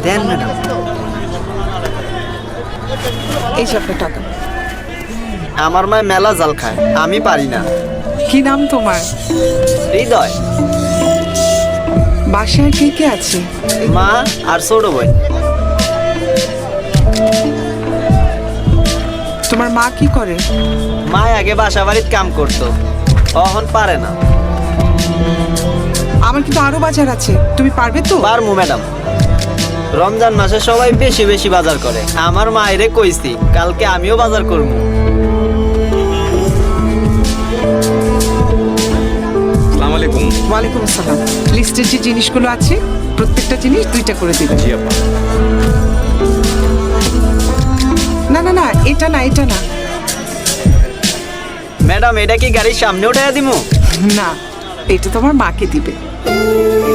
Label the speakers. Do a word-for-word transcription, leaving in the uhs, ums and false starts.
Speaker 1: দেন madam.
Speaker 2: এই যে আপনার টাকা।
Speaker 1: আমার মায় মেলা জাল খায়, আমি পারি না।
Speaker 2: কি নাম তোমার?
Speaker 1: হৃদয়।
Speaker 2: বাসায় কে কে আছে?
Speaker 1: মা আর ছোট বোন।
Speaker 2: তোমার মা কি করে?
Speaker 1: মা আগে বাসা বাড়ির কাম করতো, এখন পারে না।
Speaker 2: আমার কিন্তু আরো বাজার আছে, তুমি পারবে তো?
Speaker 1: পারমু ম্যাডাম। রমজান মাসে সবাই বেশি বেশি বাজার করে, আমার মায়েরে কইছি কালকে আমিও বাজার করবো।
Speaker 3: আসসালামু আলাইকুম।
Speaker 2: ওয়ালাইকুম আসসালাম। লিস্টের যে জিনিসগুলো আছে প্রত্যেকটা জিনিস দুইটা করে দিবেন।
Speaker 3: জি আপা।
Speaker 2: না না না, এটা না, এটা না।
Speaker 1: ম্যাডাম এটা কি গাড়ির সামনে উঠাইয়া দিমু?
Speaker 2: না, এটা তোমার মাকে দিবে।